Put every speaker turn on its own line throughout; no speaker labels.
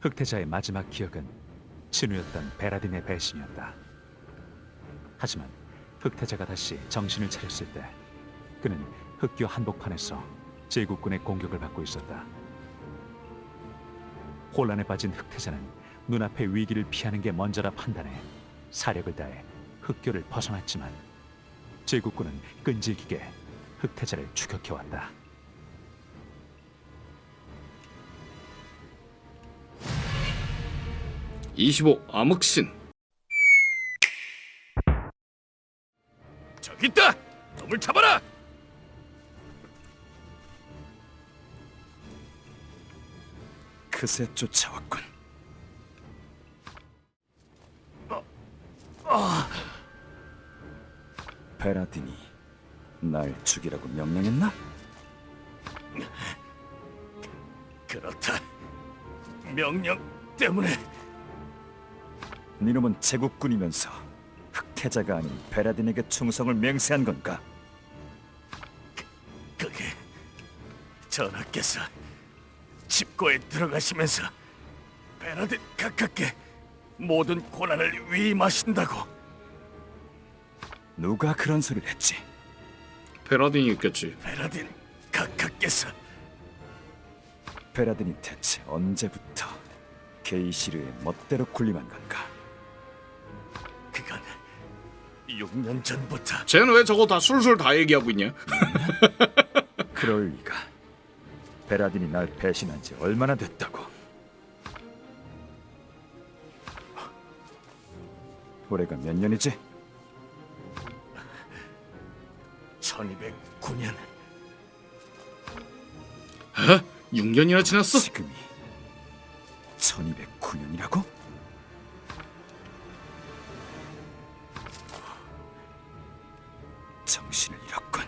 흑태자의 마지막 기억은 친우였던 베라딘의 배신이었다. 하지만 흑태자가 다시 정신을 차렸을 때 그는 흑교 한복판에서 제국군의 공격을 받고 있었다. 혼란에 빠진 흑태자는 눈앞의 위기를 피하는 게 먼저라 판단해 사력을 다해 흑교를 벗어났지만 제국군은 끈질기게 흑태자를 추격해왔다.
25 암흑신.
저기 있다! 놈을 잡아라!
그새 쫓아왔군. 베라딘이 날 죽이라고 명령했나?
그렇다. 명령 때문에.
니놈은 제국군이면서 흑태자가 아닌 베라딘에게 충성을 맹세한 건가?
그게 전하께서 집고에 들어가시면서 베라딘 가깝게 모든 고난을 위임하신다고.
누가 그런 소리를 했지?
베라딘이 있겠지.
베라딘 가깝께서.
베라딘이 대체 언제부터 게이시르의 멋대로 군림한 건가?
그건 6년 전부터.
쟤는 왜 저거 다 술술 다 얘기하고 있냐?
그럴 리가. 베라딘이 날 배신한 지 얼마나 됐다고? 올해가 몇 년이지?
1209년.
6년이나 지났어?
지금이 1209년이라고? 정신을 잃었군.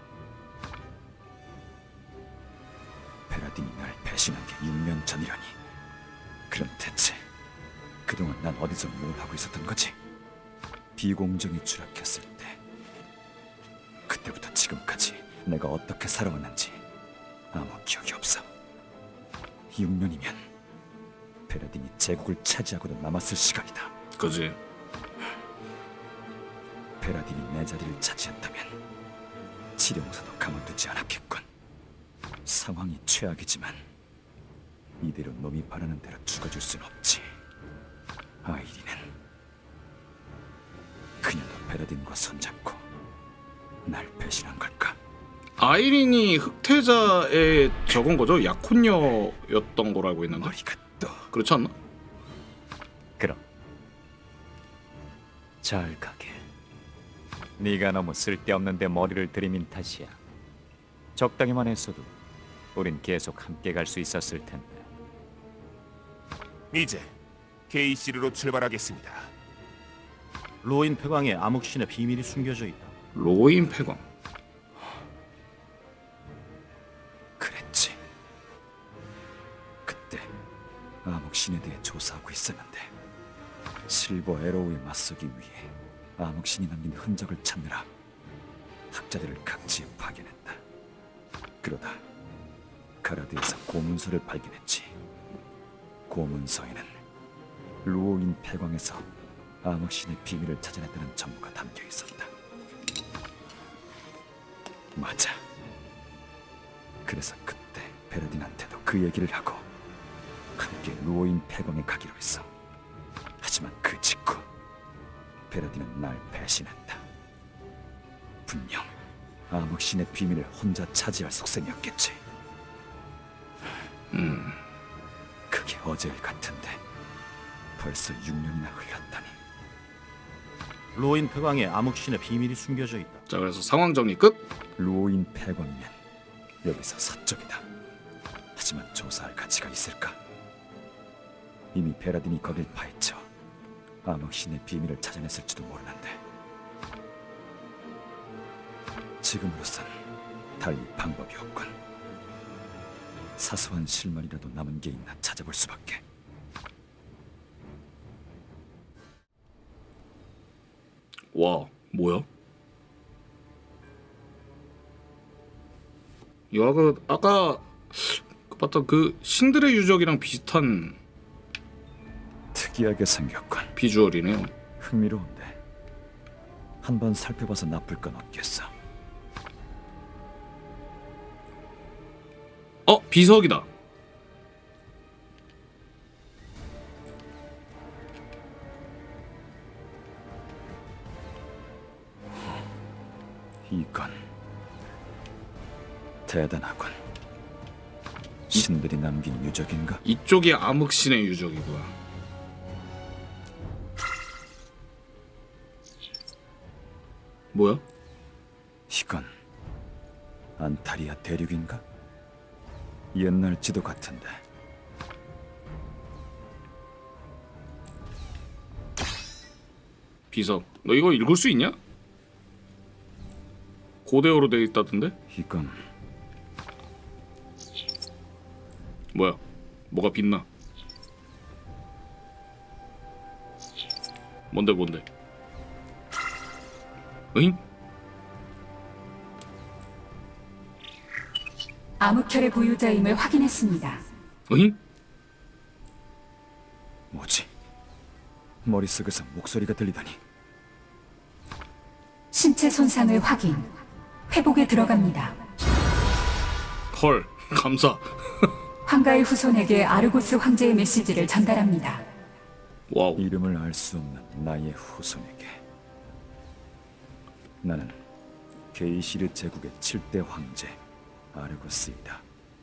베라딘이 날 배신한 게 6년 전이라니. 그럼 대체 그동안 난 어디서 뭘 하고 있었던 거지? 비공정이 추락했을 때 그때부터 지금까지 내가 어떻게 살아왔는지 아무 기억이 없어. 6년이면 베라딘이 제국을 차지하고도 남았을 시간이다.
그지.
베라딘이 내 자리를 차지했다면 지령사도 가만두지 않았겠군. 상황이 최악이지만 이대로 놈이 바라는 대로 죽어줄 순 없지. 아이리는 그녀도 베라딘과 손잡고 날 배신한 걸까?
아이린이 흑태자의 저건 거죠? 약혼녀였던 거로 알고 있는데.
머리가 또
그렇지 않나?
그럼 잘 가게. 네가 너무 쓸데없는 데 머리를 들이민 탓이야. 적당히만 했어도 우린 계속 함께 갈 수 있었을 텐데.
이제 게이시르로 출발하겠습니다.
로인 폐광에 암흑신의 비밀이 숨겨져 있다.
로인 폐광.
그랬지. 그때 암흑신에 대해 조사하고 있었는데 실버 에로우에 맞서기 위해 암흑신이 남긴 흔적을 찾느라 학자들을 각지에 파견했다. 그러다 가라드에서 고문서를 발견했지. 고문서에는 루오인 폐광에서 암흑신의 비밀을 찾아냈다는 정보가 담겨 있었다. 맞아. 그래서 그때 베라딘한테도 그 얘기를 하고 함께 루오인 폐광에 가기로 했어. 하지만 그 직후 베라딘은 날 배신했다. 분명 암흑신의 비밀을 혼자 차지할 속셈이었겠지. 그게 어제일 같은데 벌써 6년이나 흘렀다니.
로인 폐광에 암흑신의 비밀이 숨겨져 있다.
자, 그래서 상황 정리 끝.
루오인 폐광이면 여기서 서쪽이다. 하지만 조사할 가치가 있을까? 이미 베라딘이 거길 파헤쳐 암흑신의 비밀을 찾아냈을지도 모르는데 지금으로선 달리 방법이 없군. 사소한 실마리라도 남은 게 있나 찾아볼 수밖에.
와, 뭐야? 야, 그 아까 봤던 그 신들의 유적이랑 비슷한
특이하게 생겼군.
비주얼이네요.
흥미로운데 한번 살펴봐서 나쁠 건 없겠어.
비석이다.
이건 대단하군. 신들이 남긴 유적인가?
이쪽이 암흑신의 유적이구나. 뭐야?
이건 안타리아 대륙인가? 옛날 지도 같은데.
비석. 너 이거 읽을 수 있냐? 고대어로 돼 있다던데?
이건
뭐야? 뭐가 빛나? 뭔데? 으잉?
암흑혈의 보유자임을 확인했습니다.
으잉?
뭐지? 머릿속에서 목소리가 들리다니.
신체 손상을 확인. 회복에 들어갑니다.
헐, 감사.
황가의 후손에게 아르고스 황제의 메시지를 전달합니다.
와우.
이름을 알 수 없는 나의 후손에게. 나는 게이시르 제국의 7대 황제 아르고스이다.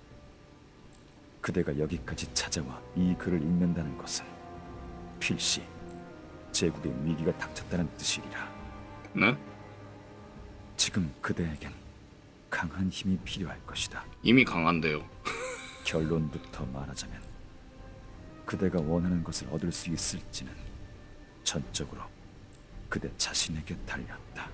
그대가 여기까지 찾아와 이 글을 읽는다는 것은 필시 제국의 위기가 닥쳤다는 뜻이리라.
네?
지금 그대에겐 강한 힘이 필요할 것이다.
이미 강한데요.
결론부터 말하자면 그대가 원하는 것을 얻을 수 있을지는 전적으로 그대 자신에게 달렸다.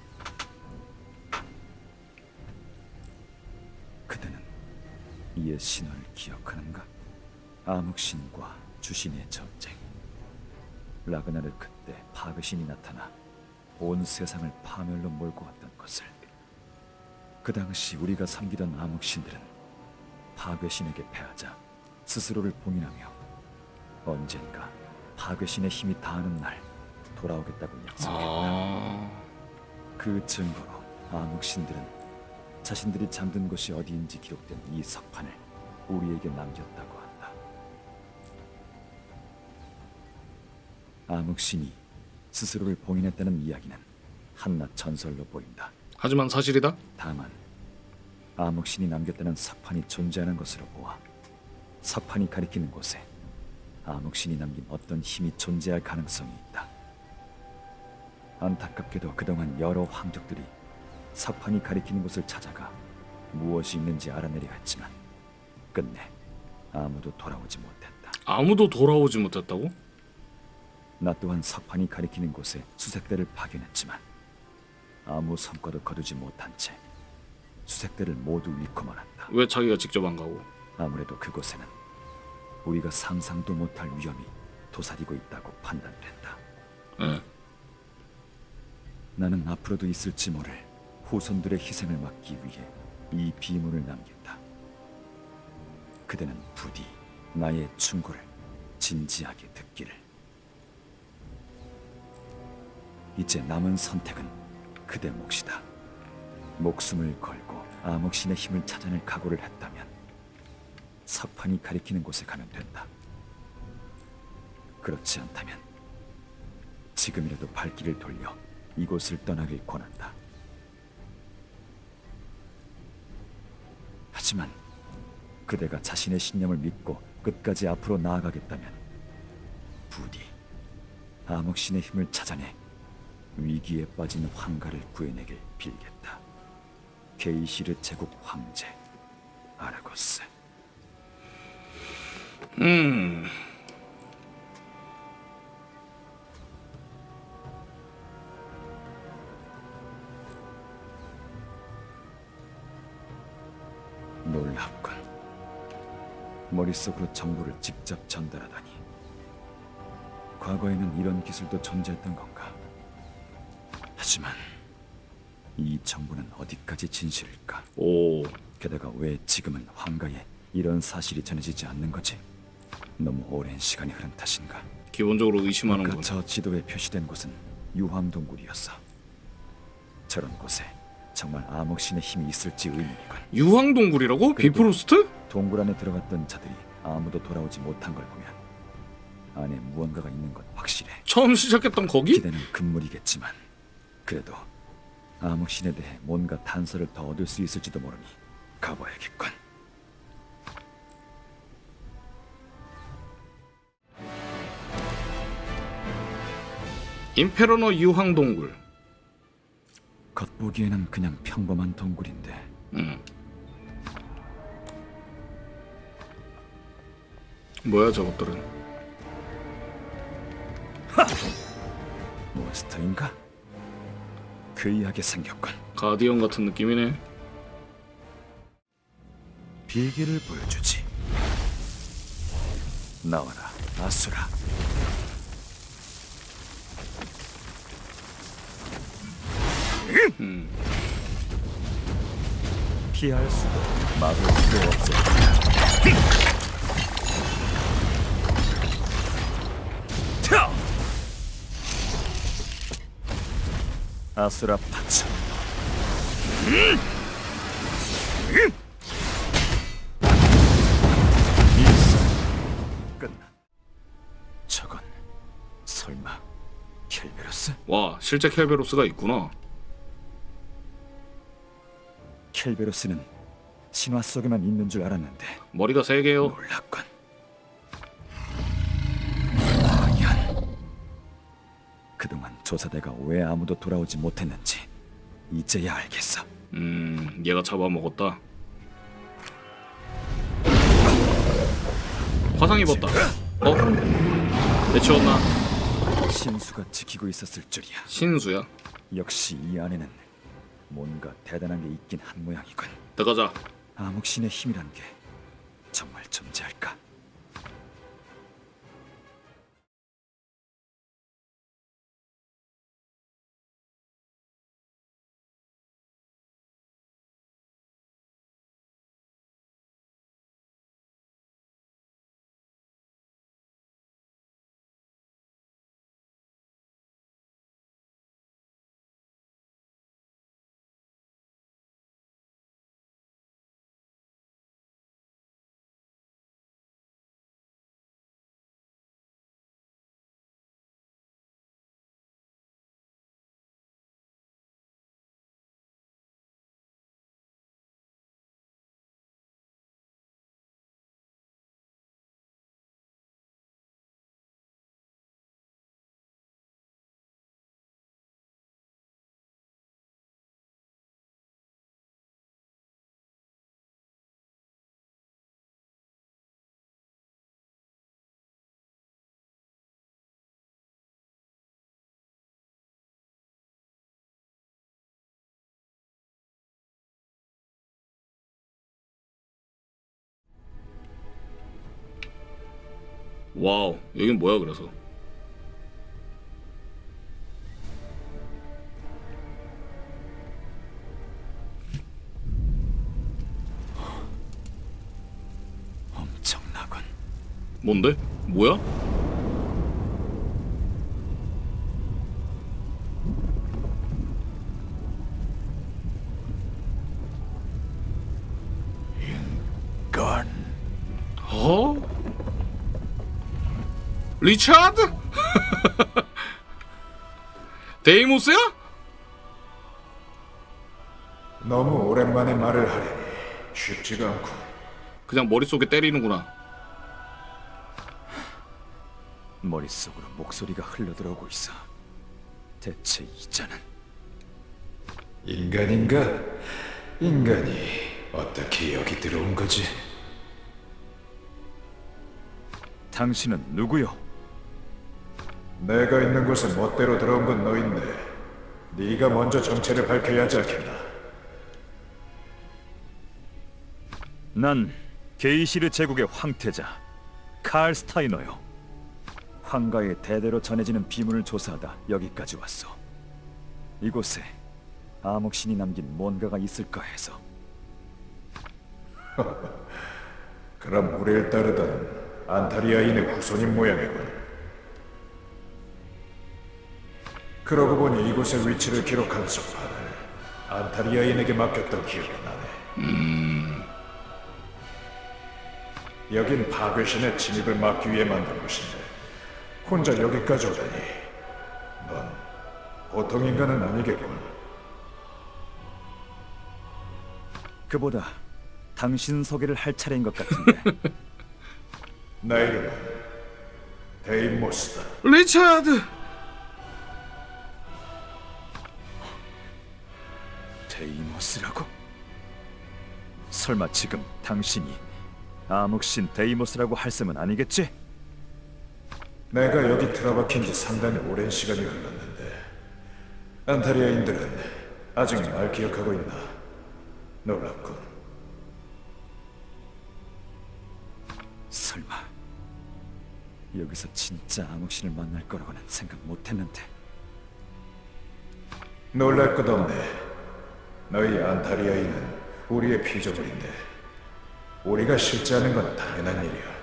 그대는 이의 신화를 기억하는가? 암흑신과 주신의 전쟁. 라그나르 그때 파괴신이 나타나 온 세상을 파멸로 몰고 왔던 것을. 그 당시 우리가 섬기던 암흑신들은 파괴신에게 패하자 스스로를 봉인하며 언젠가 파괴신의 힘이 닿는 날 돌아오겠다고 약속했다. 그 증거로 암흑신들은 자신들이 잠든 곳이 어디인지 기록된 이 석판을 우리에게 남겼다고 한다. 암흑신이 스스로를 봉인했다는 이야기는 한낱 전설로 보인다.
하지만 사실이다?
다만 암흑신이 남겼다는 석판이 존재하는 것으로 보아 석판이 가리키는 곳에 암흑신이 남긴 어떤 힘이 존재할 가능성이 있다. 안타깝게도 그동안 여러 황족들이 석판이 가리키는 곳을 찾아가 무엇이 있는지 알아내려 했지만 끝내 아무도 돌아오지 못했다.
아무도 돌아오지 못했다고?
나 또한 석판이 가리키는 곳에 수색대를 파견했지만 아무 성과도 거두지 못한 채 수색대를 모두 잃고 말았다.
왜 자기가 직접 안 가고?
아무래도 그곳에는 우리가 상상도 못할 위험이 도사리고 있다고 판단됐다.
예.
나는 앞으로도 있을지 모를 후손들의 희생을 막기 위해 이 비문을 남긴다. 그대는 부디 나의 충고를 진지하게 듣기를. 이제 남은 선택은 그대 몫이다. 목숨을 걸고 암흑신의 힘을 찾아낼 각오를 했다면 석판이 가리키는 곳에 가면 된다. 그렇지 않다면 지금이라도 발길을 돌려 이곳을 떠나길 권한다. 하지만 그대가 자신의 신념을 믿고 끝까지 앞으로 나아가겠다면 부디 암흑신의 힘을 찾아내 위기에 빠진 황가를 구해내길 빌겠다. 게이시르 제국 황제 아르고스. 놀랍군. 머릿속으로 정보를 직접 전달하다니. 과거에는 이런 기술도 존재했던 건가? 하지만 이 정보는 어디까지 진실일까?
오.
게다가 왜 지금은 황가에 이런 사실이 전해지지 않는 거지? 너무 오랜 시간이 흐른 탓인가?
기본적으로 의심하는
아까
건
저 지도에 표시된 곳은 유황동굴이었어. 저런 곳에 정말 암흑신의 힘이 있을지 의문이군.
유황동굴이라고? 비프로스트?
동굴 안에 들어갔던 자들이 아무도 돌아오지 못한 걸 보면 안에 무언가가 있는 건 확실해.
처음 시작했던 거기?
기대는 금물이겠지만 그래도 암흑신에 대해 뭔가 단서를 더 얻을 수 있을지도 모르니 가봐야겠군.
인페르노 유황동굴.
겉보기에는 그냥 평범한 동굴인데
뭐야 저것들은?
몬스터인가? 괴이하게 생겼군.
가디언 같은 느낌이네.
비기를 보여주지. 나와라, 아수라. 피할 수도 막을 수도 없어. 아수라 파츠. 일사 끝나. 저건 설마 켈베로스?
와 실제 켈베로스가 있구나.
켈베로스는 신화 속에만 있는 줄 알았는데
머리가 3개요.
놀랍군. 과연 그동안 조사대가 왜 아무도 돌아오지 못했는지 이제야 알겠어.
얘가 잡아먹었다. 화상 입었다. 내치웠나?
신수가 지키고 있었을 줄이야.
신수야.
역시 이 안에는 뭔가 대단한 게 있긴 한 모양이군.
들어가자.
암흑신의 힘이란 게 정말 존재할까?
와우 여긴 뭐야 그래서?
엄청나군.
뭔데? 뭐야?
건
어? 리차드? 데이모스야?
너무 오랜만에 말을 하려니 쉽지가 않고.
그냥 머릿속에 때리는구나.
머릿속으로 목소리가 흘러들어오고 있어. 대체 이자는
인간인가? 인간이 어떻게 여기 들어온 거지?
당신은 누구요?
내가 있는 곳에 멋대로 들어온 건 너인데 네가 먼저 정체를 밝혀야 하지 않겠나?
난 게이시르 제국의 황태자 칼 스타이너요. 황가에 대대로 전해지는 비문을 조사하다 여기까지 왔어. 이곳에 암흑신이 남긴 뭔가가 있을까 해서.
그럼 우리를 따르던 안타리아인의 후손인 모양이군. 그러고 보니 이곳의 위치를 기록한 석판을 안타리아인에게 맡겼던 기억이 나네. 여긴 파괴신의 진입을 막기 위해 만든 곳인데 혼자 여기까지 오다니 넌 보통 인간은 아니겠군.
그보다 당신 소개를 할 차례인 것 같은데.
나 이름은 데이모스다.
리차드.
데이모스라고? 설마 지금 당신이 암흑신 데이모스라고 할 셈은 아니겠지?
내가 여기 틀어박힌 지 상당히 오랜 시간이 흘렀는데 안타리아인들은 아직 날 기억하고 있나? 놀랍군.
설마 여기서 진짜 암흑신을 만날 거라고는 생각 못했는데.
놀랄 것 없네. 너희 안타리아인은 우리의 피조물인데 우리가 실제하는 건 당연한 일이야.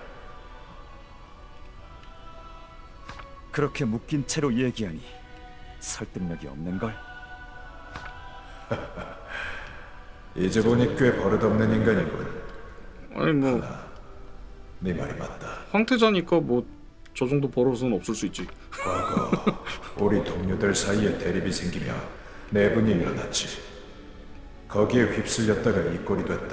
그렇게 묶인 채로 얘기하니 설득력이 없는걸?
이제 보니 꽤 버릇없는 인간이군.
아니 뭐
네 말이 맞다.
황태자니까 뭐 저 정도 버릇은 없을 수 있지.
과거 우리 동료들 사이에 대립이 생기며 내분이 일어났지. 거기에 휩쓸렸다가 이 꼴이 됐다.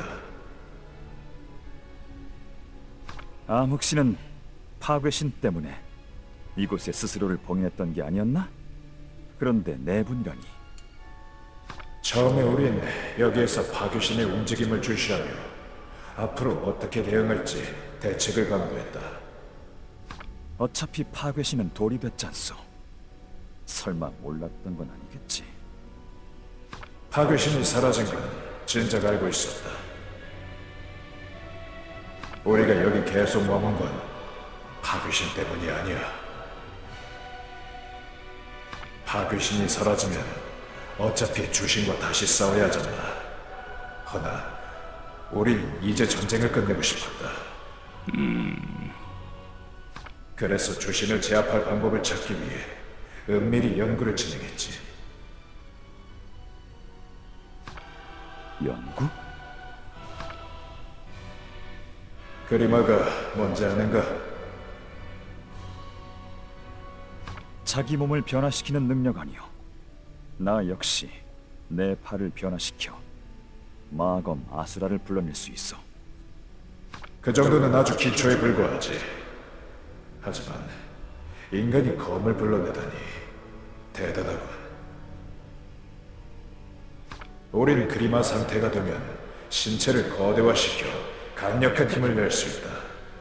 암흑신은 파괴신 때문에 이곳에 스스로를 봉인했던 게 아니었나? 그런데 내분이라니.
처음에 우린 여기에서 파괴신의 움직임을 주시하며 앞으로 어떻게 대응할지 대책을 강구했다.
어차피 파괴신은 돌이 됐잖소. 설마 몰랐던 건 아니겠지?
파괴신이 사라진 건 진작 알고 있었다. 우리가 여기 계속 머문 건 파괴신 때문이 아니야. 파괴신이 사라지면 어차피 주신과 다시 싸워야 하잖아. 허나 우린 이제 전쟁을 끝내고 싶었다. 그래서 주신을 제압할 방법을 찾기 위해 은밀히 연구를 진행했지.
연구?
그리마가 뭔지 아는가?
자기 몸을 변화시키는 능력 아니오. 나 역시 내 팔을 변화시켜 마검 아수라를 불러낼 수 있어.
그 정도는 아주 기초에 불과하지. 하지만 인간이 검을 불러내다니 대단하군. 우린 그리마 상태가 되면 신체를 거대화시켜 강력한 힘을 낼 수 있다.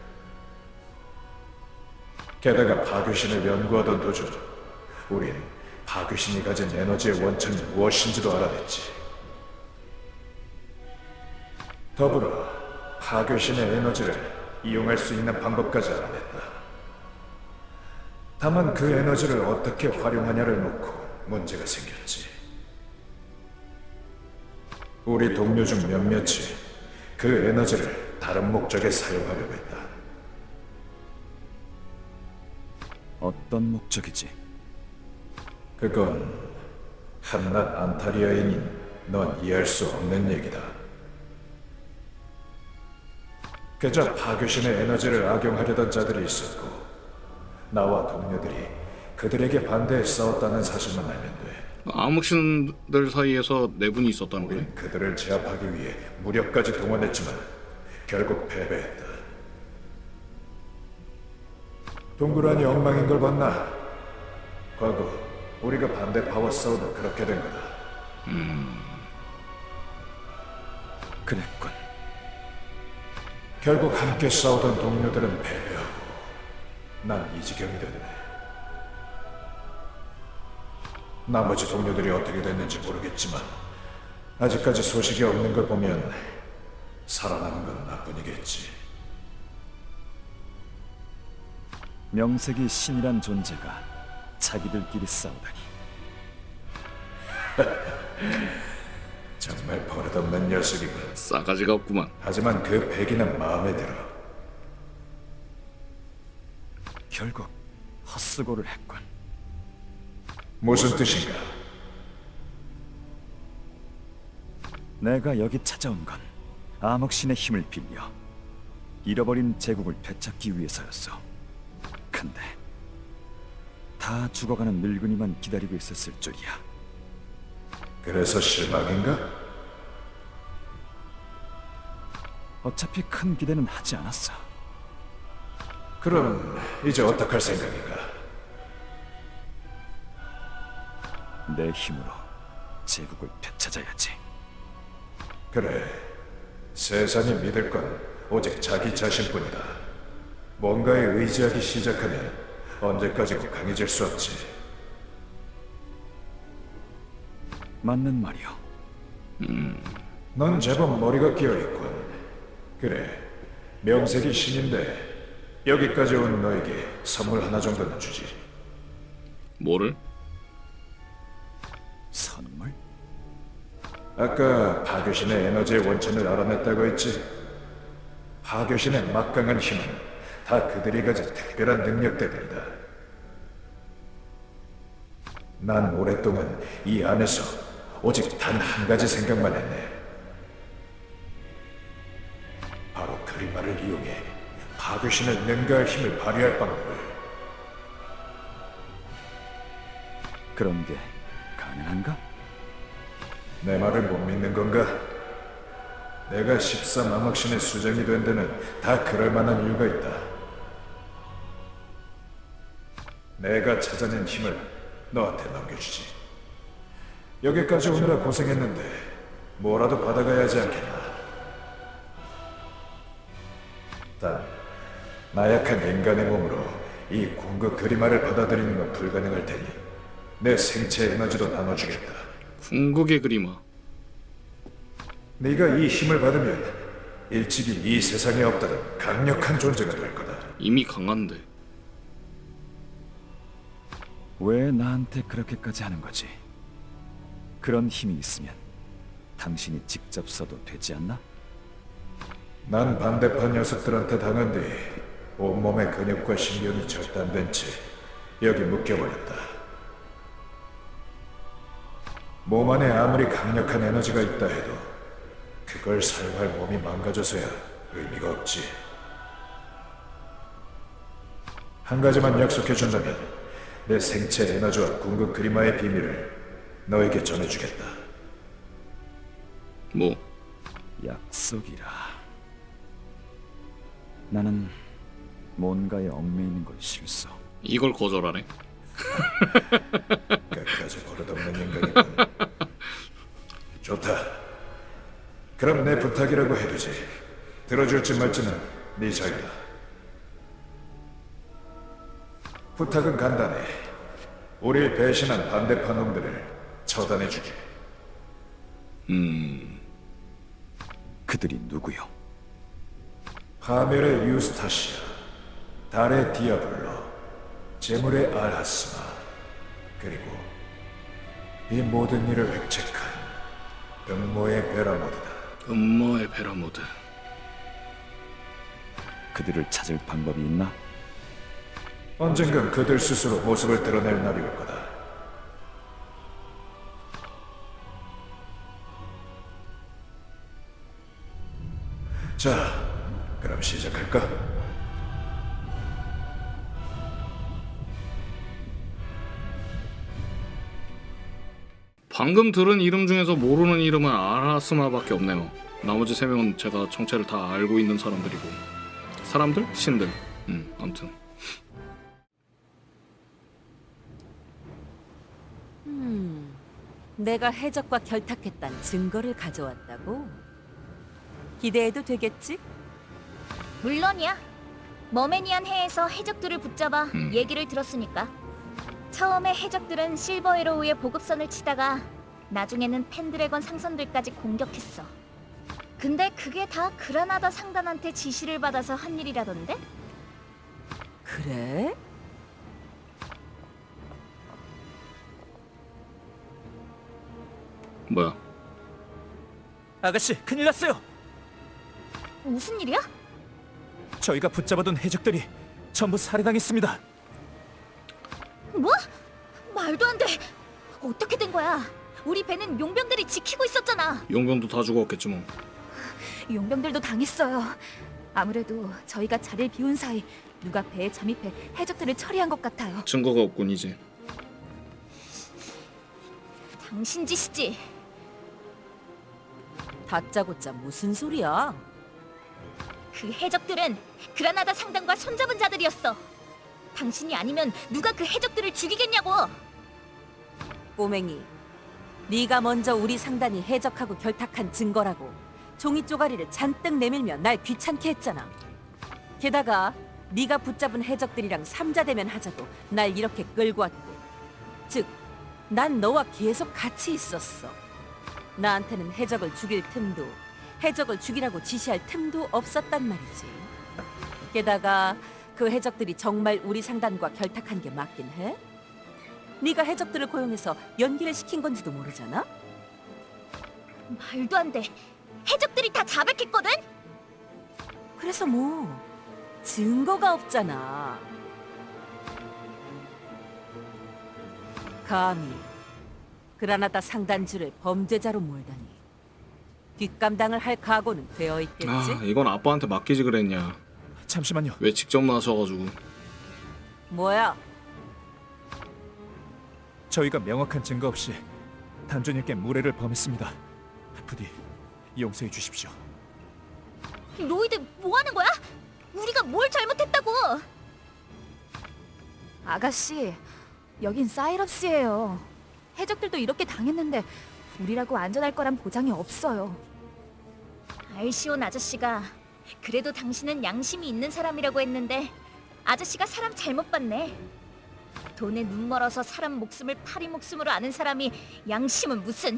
게다가 파괴신을 연구하던 도중 우린 파괴신이 가진 에너지의 원천이 무엇인지도 알아냈지. 더불어 파괴신의 에너지를 이용할 수 있는 방법까지 알아냈다. 다만 그 에너지를 어떻게 활용하냐를 놓고 문제가 생겼지. 우리 동료 중 몇몇이 그 에너지를 다른 목적에 사용하려고 했다.
어떤 목적이지?
그건 한낱 안타리아인인 넌 이해할 수 없는 얘기다. 그저 파괴신의 에너지를 악용하려던 자들이 있었고 나와 동료들이 그들에게 반대해 싸웠다는 사실만 알면 돼.
암흑신들 사이에서 내분이 있었다는 거네.
우린 그들을 제압하기 위해 무력까지 동원했지만 결국 패배했다. 동그라니 엉망인 걸 봤나? 과거 우리가 반대파와 싸우도 그렇게 된 거다.
그랬군.
결국 함께 싸우던 동료들은 패배하고 난 이 지경이 됐네. 나머지 동료들이 어떻게 됐는지 모르겠지만 아직까지 소식이 없는 걸 보면 살아나는 건 나뿐이겠지.
명색이 신이란 존재가 자기들끼리 싸우다니.
정말 버릇없는 녀석이군.
싸가지가 없구만.
하지만 그 패기는 마음에 들어.
결국 헛수고를 했군.
무슨 뜻인가?
내가 여기 찾아온 건 암흑신의 힘을 빌려 잃어버린 제국을 되찾기 위해서였어. 근데 다 죽어가는 늙은이만 기다리고 있었을 줄이야.
그래서 실망인가?
어차피 큰 기대는 하지 않았어.
그럼 이제 어떡할 생각인가?
내 힘으로 제국을 되찾아야지.
그래, 세상이 믿을 건 오직 자기 자신뿐이다. 뭔가에 의지하기 시작하면 언제까지고 강해질 수 없지.
맞는 말이오.
넌 제법 머리가 끼어있군. 그래, 명색이 신인데 여기까지 온 너에게 선물 하나 정도는 주지.
뭐를?
선물?
아까 파교신의 에너지의 원천을 알아냈다고 했지? 파교신의 막강한 힘은 다 그들이 가진 특별한 능력 때문이다. 난 오랫동안 이 안에서 오직 단 한 가지 생각만 했네. 바로 그리마를 이용해 파교신을 능가할 힘을 발휘할 방법을.
그런 게 가능한가?
내 말을 못 믿는 건가? 내가 13암흑신의 수장이 된 데는 다 그럴 만한 이유가 있다. 내가 찾아낸 힘을 너한테 넘겨주지. 여기까지 오느라 고생했는데 뭐라도 받아가야 하지 않겠나? 단, 나약한 인간의 몸으로 이 궁극 그리마를 받아들이는 건 불가능할 테니 내 생체 에너지도 나눠주겠다.
궁극의 그리마.
네가 이 힘을 받으면 일찍이 이 세상에 없다는 강력한 존재가 될 거다.
이미 강한데.
왜 나한테 그렇게까지 하는 거지? 그런 힘이 있으면 당신이 직접 써도 되지 않나?
난 반대파 녀석들한테 당한 뒤 온몸의 근육과 신경이 절단된 채 여기 묶여버렸다. 몸 안에 아무리 강력한 에너지가 있다 해도 그걸 사용할 몸이 망가져서야 의미가 없지. 한 가지만 약속해준다면 내 생체 에너지와 궁극 그리마의 비밀을 너에게 전해주겠다.
뭐?
약속이라. 나는 뭔가에 얽매이는 걸 싫소.
이걸 거절하네.
끝까지 버릇없는 인간이군. 좋다. 그럼 내 부탁이라고 해두지. 들어줄지 말지는 네 자유다. 부탁은 간단해. 우릴 배신한 반대파 놈들을 처단해주게.
그들이 누구요?
파멸의 유스타시아, 달의 디아블로, 재물의 알하스마, 그리고 이 모든 일을 획책한 음모의 베라모드다.
음모의 베라모드.
그들을 찾을 방법이 있나?
언젠간 그들 스스로 모습을 드러낼 날이 올 거다. 자, 그럼 시작할까?
방금 들은 이름 중에서 모르는 이름은 아라스마밖에 없네요. 나머지 세 명은 제가 정체를 다 알고 있는 사람들이고. 사람들? 신들. 아무튼.
내가 해적과 결탁했다는 증거를 가져왔다고? 기대해도 되겠지?
물론이야. 머메니안 해에서 해적들을 붙잡아 얘기를 들었으니까. 처음에 해적들은 실버에로우의 보급선을 치다가 나중에는 펜드래건 상선들까지 공격했어. 근데 그게 다 그라나다 상단한테 지시를 받아서 한 일이라던데?
그래?
뭐야?
아가씨, 큰일 났어요.
무슨 일이야?
저희가 붙잡아둔 해적들이
전부 살해당했습니다.
뭐? 말도 안 돼. 어떻게 된 거야? 우리 배는 용병들이 지키고 있었잖아.
용병도 다 죽었겠지 뭐.
용병들도 당했어요. 아무래도 저희가 자리를 비운 사이 누가 배에 잠입해 해적들을 처리한 것 같아요.
증거가 없군 이제.
당신 짓이지.
다짜고짜 무슨 소리야?
그 해적들은 그라나다 상단과 손잡은 자들이었어. 당신이 아니면 누가 그 해적들을 죽이겠냐고.
꼬맹이, 네가 먼저 우리 상단이 해적하고 결탁한 증거라고 종이 쪼가리를 잔뜩 내밀며 날 귀찮게 했잖아. 게다가 네가 붙잡은 해적들이랑 삼자대면 하자고 날 이렇게 끌고 왔고, 즉, 난 너와 계속 같이 있었어. 나한테는 해적을 죽일 틈도, 해적을 죽이라고 지시할 틈도 없었단 말이지. 게다가 그 해적들이 정말 우리 상단과 결탁한 게 맞긴 해? 네가 해적들을 고용해서 연기를 시킨 건지도 모르잖아?
말도 안 돼. 해적들이 다 자백했거든?
그래서 뭐 증거가 없잖아. 감히 그라나다 상단주를 범죄자로 몰다니 뒷감당을 할 각오는 되어 있겠지?
아 이건 아빠한테 맡기지 그랬냐.
잠시만요.
왜 직접 나서가지고.
뭐야?
저희가 명확한 증거 없이 단주님께 무례를 범했습니다. 부디 용서해 주십시오.
로이드 뭐 하는 거야? 우리가 뭘 잘못했다고?
아가씨, 여긴 사이럽스예요. 해적들도 이렇게 당했는데 우리라고 안전할 거란 보장이 없어요.
알시온 아저씨가 그래도 당신은 양심이 있는 사람이라고 했는데 아저씨가 사람 잘못 봤네. 돈에 눈 멀어서 사람 목숨을 파리 목숨으로 아는 사람이 양심은 무슨.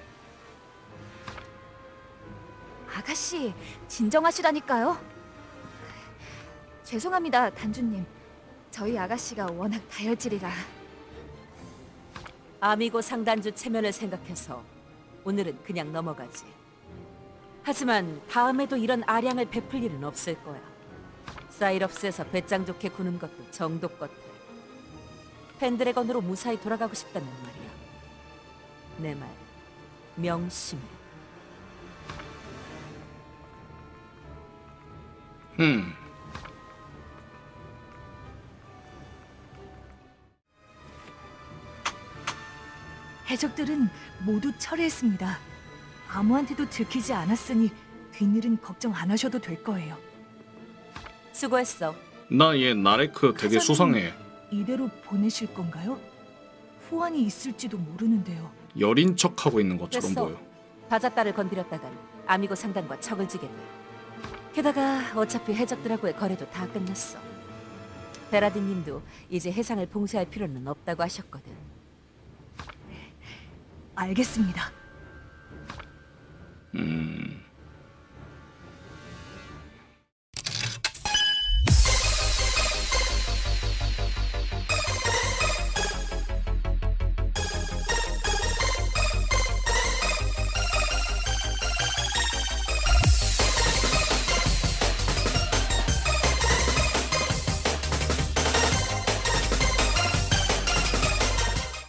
아가씨, 진정하시라니까요. 죄송합니다, 단주님. 저희 아가씨가 워낙 다혈질이라.
아미고 상단주 체면을 생각해서 오늘은 그냥 넘어가지. 하지만 다음에도 이런 아량을 베풀 일은 없을 거야. 사이럽스에서 배짱 좋게 구는 것도 정도 같아. 펜드래건으로 무사히 돌아가고 싶다는 말이야. 내 말 명심해.
해적들은 모두 철회했습니다. 아무한테도 들키지 않았으니 뒷일은 걱정 안 하셔도 될 거예요.
수고했어.
나 얘 나레크 되게
하자는-
수상해.
이대로 보내실 건가요? 후환이 있을지도 모르는데요.
여린 척하고 있는 것처럼
됐어.
보여.
바자따를 건드렸다간 아미고 상단과 척을 지겠네. 게다가 어차피 해적들하고의 거래도 다 끝났어. 베라딘님도 이제 해상을 봉쇄할 필요는 없다고 하셨거든.
알겠습니다.